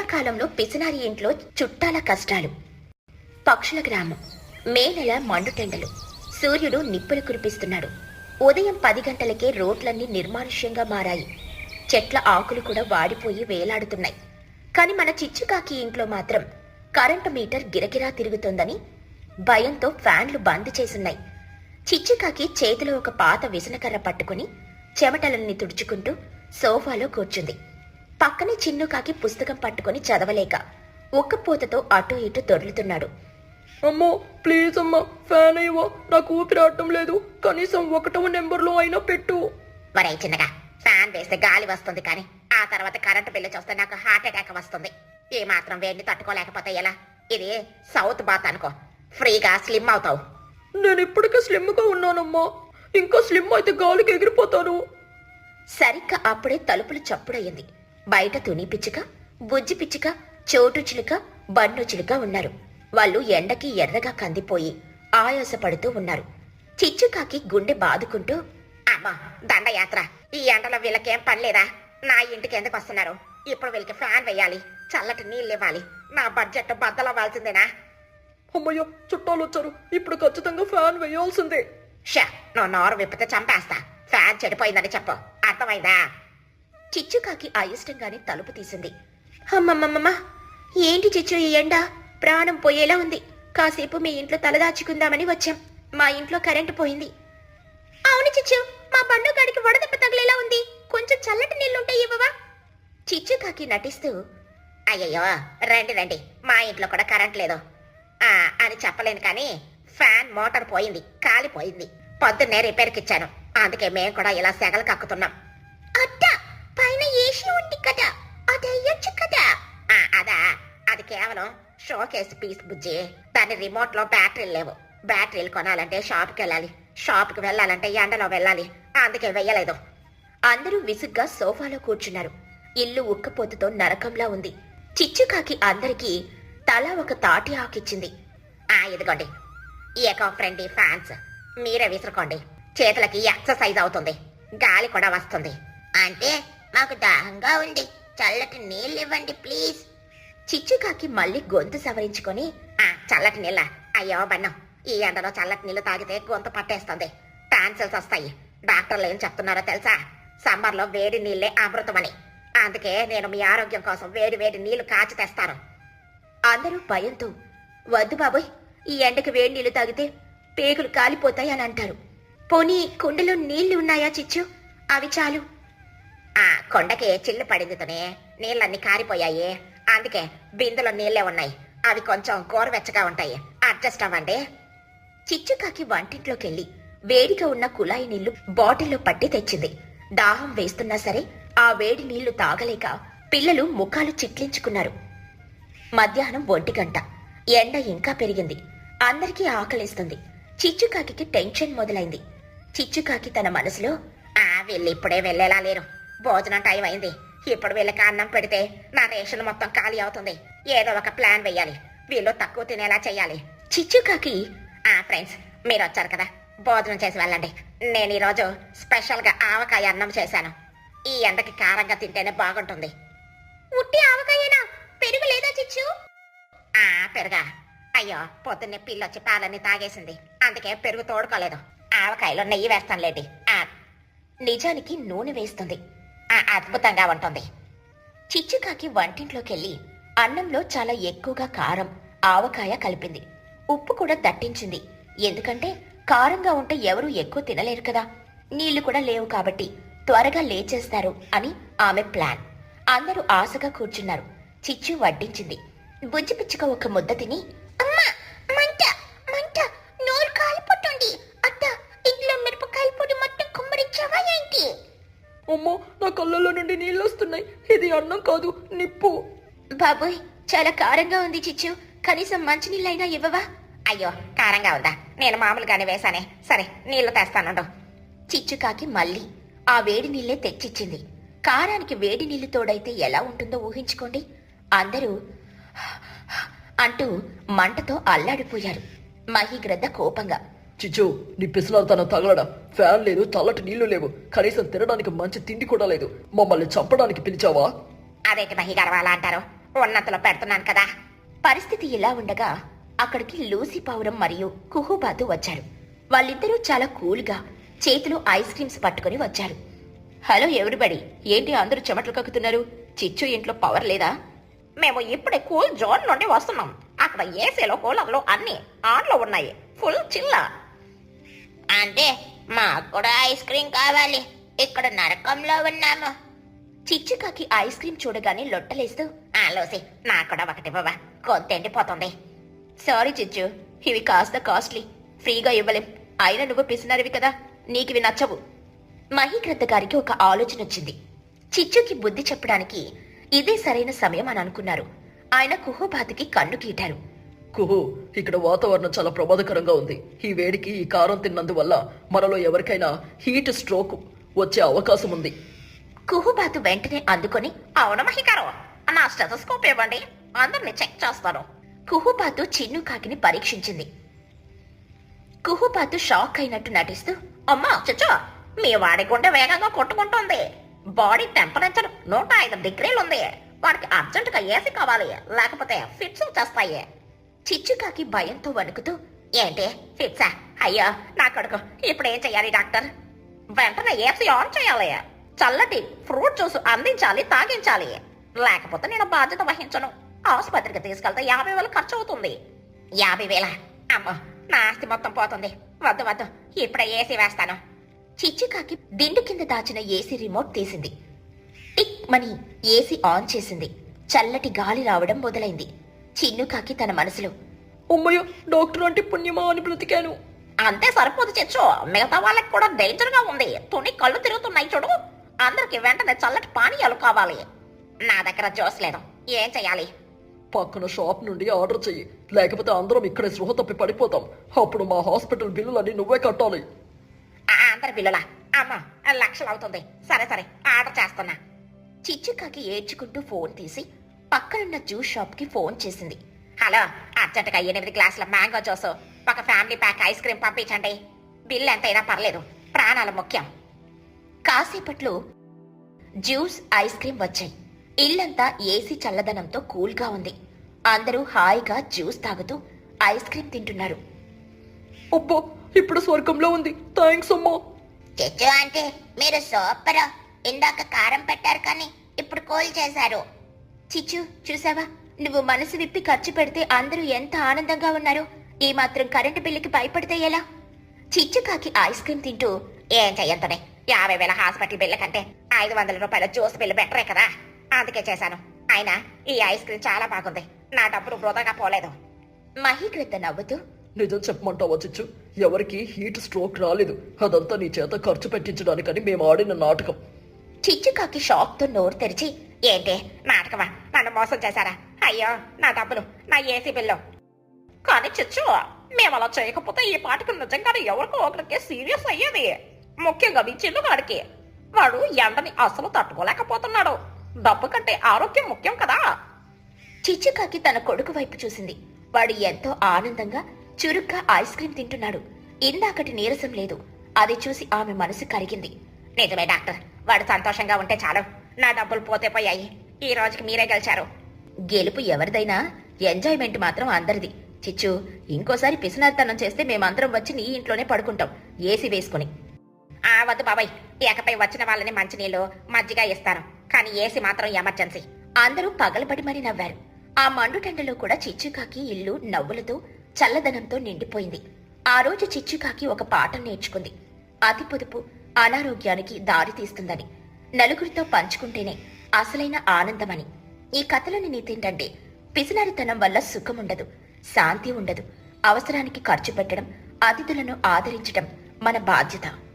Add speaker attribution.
Speaker 1: ఎండాకాలంలో పిసినారి ఇంట్లో చుట్టాల కష్టాలు. పక్షుల గ్రామం. మే నెల మండుటెండలు. సూర్యుడు నిప్పులు కురిపిస్తున్నాడు. ఉదయం 10 గంటలకే రోడ్లన్నీ నిర్మానుష్యంగా మారాయి. చెట్ల ఆకులు కూడా వాడిపోయి వేలాడుతున్నాయి. కాని మన చిచ్చుకాకి ఇంట్లో మాత్రం కరెంటు మీటర్ గిరగిరా తిరుగుతోందని భయంతో ఫ్యాన్లు బంద్ చేసున్నాయి. చిచ్చుకాకి చేతిలో ఒక పాత విసనకర్ర పట్టుకుని చెమటలన్నీ తుడుచుకుంటూ సోఫాలో కూర్చుంది. పక్కనే చిన్నుకాకి పుస్తకం పట్టుకుని చదవలేక ఒక్కపోతతో అటూ ఇటూ దొర్లుతున్నాడు.
Speaker 2: అమ్మో ప్లీజ్ అమ్మా, ఫ్యాన్ అయ్యవా, నాకు ఊపిరాడటం లేదు, కనీసం 1వ నెంబర్లో అయినా పెట్టు.
Speaker 1: వరే చిన్నగా, ఫ్యాన్ వేస్తే గాలి వస్తుంది కానీ ఆ తర్వాత కరెంటు బిల్లు చూస్తే నాకు హార్ట్ అటాక్ వస్తుంది. ఏ మాత్రం వేడిని తట్టుకోలేకపోతే ఎలా? ఇది సౌత్ బాత్ అనుకో, ఫ్రీగా స్లిమ్ అవుతావు.
Speaker 2: నేను ఇప్పటికే స్లిమ్గా ఉన్నానమ్మా, ఇంకా స్లిమ్ అయితే గాలికి ఎగిరిపోతాను.
Speaker 1: సరిగ్గా అప్పుడే తలుపులు చప్పుడయ్యింది. బయట తుని పిచ్చుక, బుజ్జి పిచ్చుక, చోటు చిలుక, బన్ను చిలుక ఉన్నారు. వాళ్ళు ఎండకి ఎర్రగా కందిపోయి ఆయాసపడుతూ ఉన్నారు. చిచ్చుకాకి గుండె బాదుకుంటూ, అమ్మా దండయాత్ర, ఈ ఎండలో వీళ్ళకేం పనిలేదా? నా ఇంటికి ఎందుకు వస్తున్నారు? ఇప్పుడు వీళ్ళకి ఫ్యాన్ వేయాలి, చల్లటి నీళ్ళు ఇవ్వాలి, నా బడ్జెట్ బద్దలవ్వాల్సిందేనా?
Speaker 2: అమ్మయ్య, చుట్టాలు వచ్చారు, ఇప్పుడు ఖచ్చితంగా ఫ్యాన్ వేయాల్సిందే.
Speaker 1: షా, నువ్వు నోరు విప్పితే చంపేస్తా. ఫ్యాన్ చెడిపోయిందని చెప్పు, అర్థమైందా? చిచ్చుకాకి అయిష్టంగానే తలుపు తీసింది. అమ్మమ్మమ్మ, ఏంటి చిచ్చు ఈ ఎండ? ప్రాణం పోయేలా ఉంది. కాసేపు మీ ఇంట్లో తలదాచుకుందామని వచ్చాం. మా ఇంట్లో కరెంటు పోయింది. అవును చిచ్చు, మా బండు గడికి వడదెబ్బ తగిలేలా ఉంది. కొంచెం చల్లటి నీళ్లుంటే ఇవ్వవా? చిచ్చుకాకి నటిస్తూ, అయ్యయ్యో రండి రండి, మా ఇంట్లో కూడా కరెంట్ లేదు అని చెప్పలేను కానీ ఫ్యాన్ మోటార్ పోయింది, కాలిపోయింది. పొద్దున్నే రిపేర్కి ఇచ్చాను, అందుకే మేము కూడా ఇలా సెగలు కక్కుతున్నాం. అట్టా, పైన ఏసీ ఉంది కదా, అది అయ్యొచ్చు కదా? అదా, అది కేవలం షోకేస్ పీస్ బుజ్జి. దాని రిమోట్ లో బ్యాటరీలు లేవు. బ్యాటరీలు కొనాలంటే షాప్కి వెళ్ళాలి, షాప్కి వెళ్ళాలంటే ఎండలో వెళ్ళాలి, అందుకే వెయ్యలేదు. అందరూ విసుగ్గా సోఫాలో కూర్చున్నారు. ఇల్లు ఉక్కపోతుతో నరకంలా ఉంది. చిచ్చుకాకి అందరికీ తలా ఒక తాటి ఆకిచ్చింది. ఇదిగోండి, ఎకో ఫ్రెండ్లీ ఫ్యాన్స్, మీరే విసురుకోండి. చేతులకి ఎక్సర్సైజ్ అవుతుంది, గాలి కూడా వస్తుంది. అంటే మాకు దాహంగా ఉంది, చల్లటి నీళ్ళు ఇవ్వండి ప్లీజ్. చిచ్చుకాకి మళ్ళీ గొంతు సవరించుకొని, చల్లటి నీళ్ళ? అయ్యో బన్నం, ఈ ఎండలో చల్లటి నీళ్లు తాగితే గొంతు పట్టేస్తుంది, టాన్సిల్స్ వస్తాయి. డాక్టర్లు ఏం చెప్తున్నారో తెలుసా? సమ్మర్లో వేడి నీళ్లే అమృతమని. అందుకే నేను మీ ఆరోగ్యం కోసం వేడి వేడి నీళ్లు కాచి తెస్తాను. అందరూ భయంతో, వద్దు బాబోయ్, ఈ ఎండకి వేడి నీళ్లు తాగితే పేగులు కాలిపోతాయి అని అంటారు. పోనీ కుండలో నీళ్లు ఉన్నాయా చిచ్చు? అవి చాలు. కొండకి చిల్లు పడింది తనే, నీళ్ళన్నీ కారిపోయాయి, అందుకే బిందులో నీళ్లే ఉన్నాయి. అవి కొంచెం గోరువెచ్చగా ఉంటాయి, అడ్జస్ట్ అవ్వండి. చిచ్చుకాకి వంటింట్లోకెళ్ళి వేడిగా ఉన్న కుళాయి నీళ్లు బాటిల్లో పట్టి తెచ్చింది. దాహం వేస్తున్నా సరే ఆ వేడి నీళ్లు తాగలేక పిల్లలు ముఖాలు చిట్లించుకున్నారు. మధ్యాహ్నం 1 గంట. ఎండ ఇంకా పెరిగింది. అందరికీ ఆకలిస్తుంది. చిచ్చుకాకి టెన్షన్ మొదలైంది. చిచ్చుకాకి తన మనసులో, వీళ్ళు ఇప్పుడే వెళ్ళేలా లేరు, భోజనం టైం అయింది. ఇప్పుడు వీళ్ళకి అన్నం పెడితే నా రేషన్ మొత్తం ఖాళీ అవుతుంది. ఏదో ఒక ప్లాన్ వెయ్యాలి, వీళ్ళు తక్కువ తినేలా చెయ్యాలి. చిచ్చుకాకి, ఫ్రెండ్స్ మీరు వచ్చారు కదా, భోజనం చేసి వెళ్ళండి. నేను ఈరోజు స్పెషల్గా ఆవకాయ అన్నం చేశాను. ఈ ఎండకి కారంగా తింటేనే బాగుంటుంది. ఉట్టి ఆవకాయేనా? పెరుగు లేదా చిచ్చు? పెరుగా? అయ్యో, పొద్దున్నే పిల్లొచ్చి పాలన్నీ తాగేసింది, అందుకే పెరుగు తోడుకోలేదు. ఆవకాయలో నెయ్యి వేస్తానులేండి. నిజానికి నూనె వేస్తుంది, అద్భుతంగా ఉంటుంది. చిచ్చుకాకి వంటింట్లోకెళ్ళి అన్నంలో చాలా ఎక్కువగా కారం, ఆవకాయ కలిపింది. ఉప్పు కూడా దట్టించింది. ఎందుకంటే కారంగా ఉంటే ఎవరూ ఎక్కువ తినలేరు కదా, నీళ్లు కూడా లేవు కాబట్టి త్వరగా లేచేస్తారు అని ఆమె ప్లాన్. అందరూ ఆశగా కూర్చున్నారు. చిచ్చు వడ్డించింది. బుజ్జి పిచ్చుక ఒక ముద్ద తిని, అమ్మా మంట మంట, నోరు కాలిపోతుంది. అత్త, ఇంట్లో మిరపకాయ పొడి మొత్తం కుమ్మరించావా ఏంటి?
Speaker 2: అమ్మో, నా కళ్ళల్లో నుండి నీళ్ళు వస్తున్నాయి. ఇది అన్నం కాదు, నిప్పు.
Speaker 1: బాబోయ్, చాలా కారంగా ఉంది చిచ్చు, కనీసం మంచినీళ్ళైనా ఇవ్వవా? అయ్యో, కారంగా ఉందా? నేను మామూలుగానే వేశానే. సరే, నీళ్లు తెస్తానుండు. చిచ్చుకాకి మళ్ళీ ఆ వేడి నీళ్లే తెచ్చిచ్చింది. కారానికి వేడి నీళ్లు తోడైతే ఎలా ఉంటుందో ఊహించుకోండి. అందరూ అంటూ మంటతో అల్లాడిపోయారు. మహిగ్రద్ద కోపంగా,
Speaker 2: చిచ్చు, నీ పిసలాడుతాను తగలడా? ఫ్యాన్ లేదు, చల్లటి నీళ్లు లేవు, కనీసం తినడానికి మంచి తిండి కూడా లేదు. మమ్మల్ని చంపడానికి పిలిచావా?
Speaker 1: అదేంటి మహిగారు అలా అంటారు? ఉన్నంతలో పెడుతున్నాను కదా. పరిస్థితి ఇలా ఉండగా అక్కడికి లూసీ పావురం మరియు కుహుబాతు వచ్చారు. వాళ్ళిద్దరూ చాలా కూల్గా చేతిలో ఐస్ క్రీమ్స్ పట్టుకుని వచ్చారు. హలో ఎవ్రీబడి, ఏంటి అందరూ చెమటలు కక్కుతున్నారు? చిచ్చు ఇంట్లో పవర్ లేదా? మేము ఇప్పుడే కూల్ జోన్ నుండి వస్తున్నాం. అక్కడ ఏసీలో కూలర్లు అన్ని ఆన్లో ఉన్నాయి. ఫుల్ చిల్ల. అంటే మాకు కూడా ఐస్ క్రీమ్ కావాలి. ఇక్కడ నరకంలో ఉన్నాము. చిచ్చుకాకి ఐస్ క్రీమ్ చూడగానే లొట్టలేస్తూ, ఆలోసి నాకు కూడా ఒకటి బాబా, కొద్దిపోతుంది. సారీ చిచ్చు, ఇవి కాస్త కాస్ట్లీ, ఫ్రీగా ఇవ్వలేం. అయినా నువ్వు పిసినారివి కదా, నీకివి నచ్చవు. మహీగ్రద్ద గారికి ఒక ఆలోచన వచ్చింది. చిచ్చుకి బుద్ధి చెప్పడానికి ఇదే సరైన సమయం అని అనుకున్నారు. ఆయన కుహుబాతుకి కన్ను గీటారు.
Speaker 2: కుహు, ఇక్కడ వాతావరణం చాలా ప్రమాదకరంగా ఉంది. ఈ వేడికి ఈ కారం తిన్నందువల్ల మనలో ఎవరికైనా హీట్ స్ట్రోక్ వచ్చే అవకాశం ఉంది.
Speaker 1: కుహుబాతు వెంటనే అందుకొని, అవును మహిగారు, నా స్టెథోస్కోప్ ఇవ్వండి, అందరిని చెక్ చేస్తాను. కుహుబాతు చిన్ను కాకిని పరీక్షించింది. కుహుబాతు షాక్ అయినట్టు నటిస్తూ, అమ్మా చచ్చో, మీ వాడి గుండె వేగంగా కొట్టుకుంటోంది. Body temperature 105 డిగ్రీలుంది. వాడికి అర్జెంటుగా ఏసీ కావాలి, లేకపోతే ఫిట్స్ వచ్చేస్తాయి. చిచ్చుకాకి భయంతో వణుకుతూ, ఏంటి ఫిట్సా? అయ్యో నా కొడుకు, ఇప్పుడేం చెయ్యాలి డాక్టర్? వెంటనే ఏసీ ఆన్ చేయాలి, చల్లటి ఫ్రూట్ జ్యూస్ అందించాలి, తాగించాలి, లేకపోతే నేను బాధ్యత వహించను. ఆసుపత్రికి తీసుకెళ్తే 50,000 ఖర్చు అవుతుంది. 50,000? అమ్మో, నా ఆస్తి మొత్తం పోతుంది. వద్దు వద్దు, ఇప్పుడే ఏసీ వేస్తాను. చిచ్చుకాకి దిండు కింద దాచిన ఏసీ రిమోట్ తీసింది. టిక్ మని ఏసీ ఆన్ చేసింది. చల్లటి గాలి రావడం మొదలైంది. చిన్నుకాకి తన మనసులో,
Speaker 2: అమ్మయ్య, డాక్టర్ అంటే పుణ్యమా అని బ్రతికాను.
Speaker 1: అంతే సరిపోదు చెచ్చు, మిగతా వాళ్ళకి కూడా డేంజర్ గా ఉంది. తుని కళ్ళు తిరుగుతున్నాయి చూడు. అందరికి వెంటనే చల్లటి పానీయాలు కావాలి. నా దగ్గర జ్యూస్ లేదు, ఏం చెయ్యాలి?
Speaker 2: పక్కన షాప్ నుండి ఆర్డర్ చెయ్యి, లేకపోతే అందరం ఇక్కడే స్పృహ తప్పి పడిపోతాం. అప్పుడు మా హాస్పిటల్ బిల్లులన్నీ నువ్వే కట్టాలి.
Speaker 1: అందరి బిల్లులా? అమ్మా, లక్షలు అవుతుంది. సరే సరే, ఆర్డర్ చేస్తున్నా. చిచ్చుకాకి ఏడ్చుకుంటూ ఫోన్ తీసి పక్కనున్న జ్యూస్ షాప్ కి ఫోన్ చేసింది. హలో, అర్జెంటుగా 8 గ్లాసుల మ్యాంగో జ్యూస్, ఒక ఫ్యామిలీ ప్యాక్ ఐస్ క్రీమ్ పంపించండి. బిల్ ఎంతైనా పర్లేదు, ప్రాణాలు ముఖ్యం. కాసేపట్లో జ్యూస్, ఐస్ క్రీమ్ వచ్చాయి. ఇల్లంతా ఏసీ చల్లదనంతో కూల్గా ఉంది. అందరూ హాయిగా జ్యూస్ తాగుతూ ఐస్ క్రీమ్ తింటున్నారు.
Speaker 2: అబ్బా, ఇప్పుడు స్వర్గంలో ఉంది. థ్యాంక్స్ అమ్మా.
Speaker 1: చెచ్చు అంటే మీరు సూపర్. ఇందాక కారం పెట్టారు కానీ ఇప్పుడు కూల్ చేశారు. చిచ్చు, చూసావా, నువ్వు మనసు విప్పి ఖర్చు పెడితే అందరూ ఎంత ఆనందంగా ఉన్నారు. ఈ మాత్రం కరెంటు బిల్లుకి భయపడితే ఎలా? చిచ్చుకాకి ఐస్ క్రీమ్ తింటూ, ఏం చెయ్యంతనే, 50,000 హాస్పిటల్ బిల్లు కంటే 500 రూపాయల జ్యూస్ బిల్లు బెటరే కదా, అందుకే చేశాను. అయినా ఈ ఐస్ క్రీమ్ చాలా బాగుంది, నా డబ్బులు వృధాగా పోలేదు. మహీగ్రద్ద నవ్వుతూ,
Speaker 2: నిజం చెప్పమంటావా చిచ్చు? ఎవరికి హీట్ స్ట్రోక్ రాలేదు. అదంతా నీ చేత ఖర్చు పెట్టించడానికని మేము ఆడిన నాటకం.
Speaker 1: చిచ్చుకాకి షాక్ తో నోరు తెరిచి, ఏంటి నాటకమా? నన్ను మోసం చేశారా? అయ్యో నా డబ్బులు, నా ఏసీ బిల్లు. కానీ చిచ్చు, మేము అలా చేయకపోతే ఈ పాటికి నిజంగానే ఎవరికో ఒకరికి సీరియస్ అయ్యేది. ముఖ్యంగా మీ చిన్నుగాడికి. వాడు ఎండని అసలు తట్టుకోలేకపోతున్నాడు. డబ్బు కంటే ఆరోగ్యం ముఖ్యం కదా. చిచ్చుకాకి తన కొడుకు వైపు చూసింది. వాడు ఎంతో ఆనందంగా చురుగ్గా ఐస్ క్రీమ్ తింటున్నాడు. ఇందాకటి నీరసం లేదు. అది చూసి ఆమె మనసు కరిగింది. నిజమే డాక్టర్, వాడు సంతోషంగా ఉంటే చాలు. నా డబ్బులు పోతే పోయాయి. ఈ రోజుకి మీరే గెలిచారు. గెలుపు ఎవరిదైనా ఎంజాయ్మెంట్ మాత్రం అందరిది. చిచ్చు, ఇంకోసారి పిసినారితనం చేస్తే మేమందరం వచ్చి నీ ఇంట్లోనే పడుకుంటాం, ఏసీ వేసుకుని. వద్దు బాబాయ్, ఇకపై వచ్చిన వాళ్ళని మంచినీళ్ళు, మజ్జిగ ఇస్తాను, కానీ ఏసీ మాత్రం ఎమర్జెన్సీ. అందరూ పగలబడి మరీ నవ్వారు. ఆ మండుటెండలో కూడా చిచ్చుకాకి ఇల్లు నవ్వులతో, చల్లదనంతో నిండిపోయింది. ఆ రోజు చిచ్చుకాకి ఒక పాఠం నేర్చుకుంది. అతి పొదుపు అనారోగ్యానికి దారి తీస్తుందని, నలుగురితో పంచుకుంటేనే అసలైన ఆనందమని. ఈ కథలోని నీతేంటంటే, పిసినారితనం వల్ల సుఖముండదు, శాంతి ఉండదు. అవసరానికి ఖర్చు పెట్టడం, అతిథులను ఆదరించడం మన బాధ్యత.